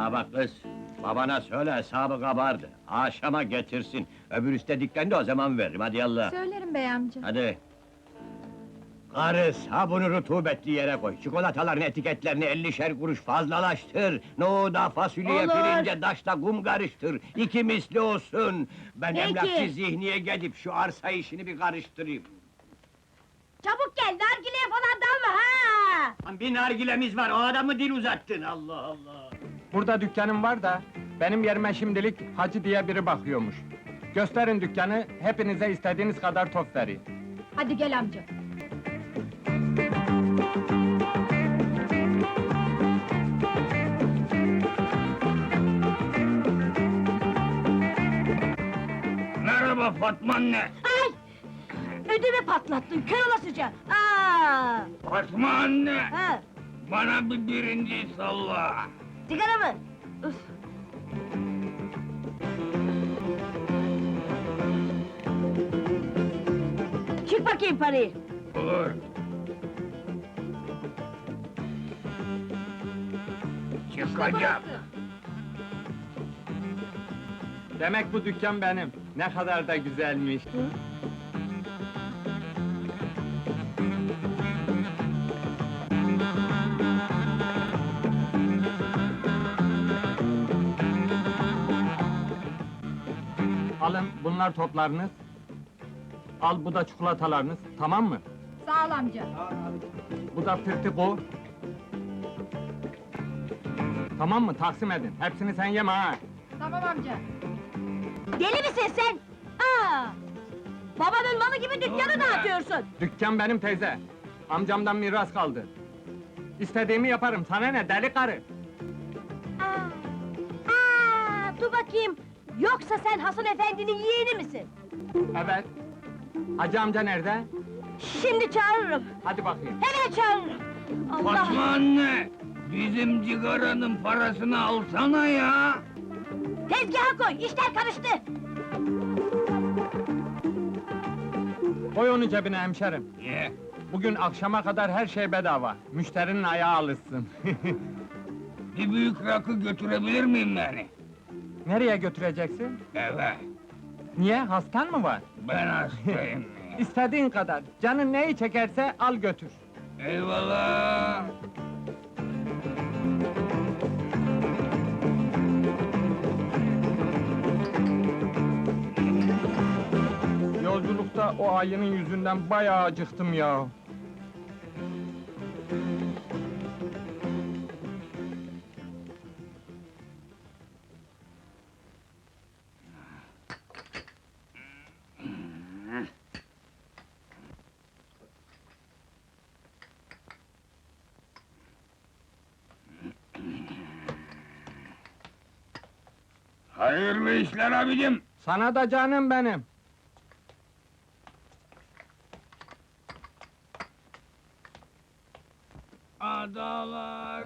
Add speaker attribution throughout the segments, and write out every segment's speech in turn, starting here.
Speaker 1: Ha bak kız, babana söyle hesabı kabardı. Akşama getirsin. Öbür üstte dükkanda o zaman veririm, hadi yallah.
Speaker 2: Söylerim bey amca.
Speaker 1: Hadi. Karı sabunu rutubetli yere koy. Çikolataların etiketlerini 50'şer kuruş fazlalaştır. Nohuda, fasulyeye,
Speaker 3: Olur.
Speaker 1: pirince, daşla kum karıştır. İki misli olsun. Ben
Speaker 3: Peki.
Speaker 1: emlakçı Zihni'ye gidip şu arsa işini bir karıştırayım.
Speaker 3: Çabuk gel, nargileye falan dalma ha!
Speaker 1: Lan bir nargilemiz var, o adamı dil uzattın, Allah Allah!
Speaker 4: Burada dükkanım var da, benim yerime şimdilik Hacı diye biri bakıyormuş. Gösterin dükkanı, hepinize istediğiniz kadar top vereyim.
Speaker 2: Hadi gel amca.
Speaker 1: Merhaba Fatma anne!
Speaker 3: Ay! Ödümü patlattın, kör olasıca! Aa!
Speaker 1: Fatma anne!
Speaker 3: Ha!
Speaker 1: Bana bir birinci salla!
Speaker 3: Sigara mı? Üf! Çık bakayım parayı!
Speaker 1: Olur! Çıkacağım!
Speaker 4: Demek bu dükkan benim. Ne kadar da güzelmiş. Alın, bunlar toplarınız. Al, bu da çikolatalarınız, tamam mı?
Speaker 2: Sağ ol amca.
Speaker 4: Bu da firtiko. Tamam mı? Taksim edin. Hepsini sen yeme ha!
Speaker 2: Tamam amca.
Speaker 3: Deli misin sen? Aa! Babanın malı gibi dükkanı dağıtıyorsun!
Speaker 4: Dükkan benim teyze. Amcamdan miras kaldı. İstediğimi yaparım, sana ne deli karı?
Speaker 3: Aa! Aa! Dur bakayım! Yoksa sen Hasan efendinin yeğeni misin?
Speaker 4: Evet. Hacı amca nerede?
Speaker 3: Şimdi çağırırım!
Speaker 4: Hadi bakayım.
Speaker 3: Hemen çağırırım! Allah!
Speaker 1: Fatma anne! Bizim cigaranın parasını alsana ya!
Speaker 3: Tezgaha koy, işler karıştı!
Speaker 4: Koy onu cebine hemşerim.
Speaker 1: Ye!
Speaker 4: Bugün akşama kadar her şey bedava. Müşterinin ayağı alışsın.
Speaker 1: Bir büyük rakı götürebilir miyim yani?
Speaker 4: Nereye götüreceksin?
Speaker 1: Evet,
Speaker 4: Niye? Hastan mı var?
Speaker 1: ben hastayım.
Speaker 4: İstediğin kadar. Canın neyi çekerse al götür.
Speaker 1: Eyvallah!
Speaker 4: Yolculukta o ayının yüzünden bayağı acıktım ya.
Speaker 1: Hayırlı işler abicim!
Speaker 4: Sana da canım benim.
Speaker 1: Adalar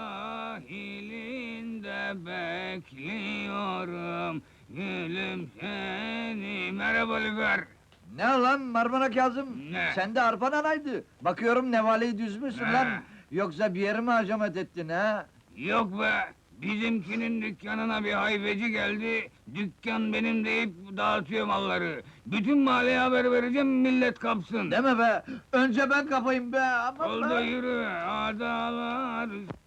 Speaker 1: sahilinde bekliyorum, gülüm seni. Merhaba Lüfer!
Speaker 5: Ne lan Marmara Kazım?
Speaker 1: Ne?
Speaker 5: Sen de arpan anaydı. Bakıyorum nevaleyi düzmüşsün
Speaker 1: Ne?
Speaker 5: lan. Yoksa bir yere mi hacamet ettin ha?
Speaker 1: Yok be! Bizimkinin dükkanına bir hayfeci geldi, dükkan benim deyip dağıtıyor malları. Bütün mahalleye haber vereceğim, millet kapsın.
Speaker 5: Deme be! Önce ben kapayım be! Aman
Speaker 1: Oldu
Speaker 5: be!
Speaker 1: yürü, adalar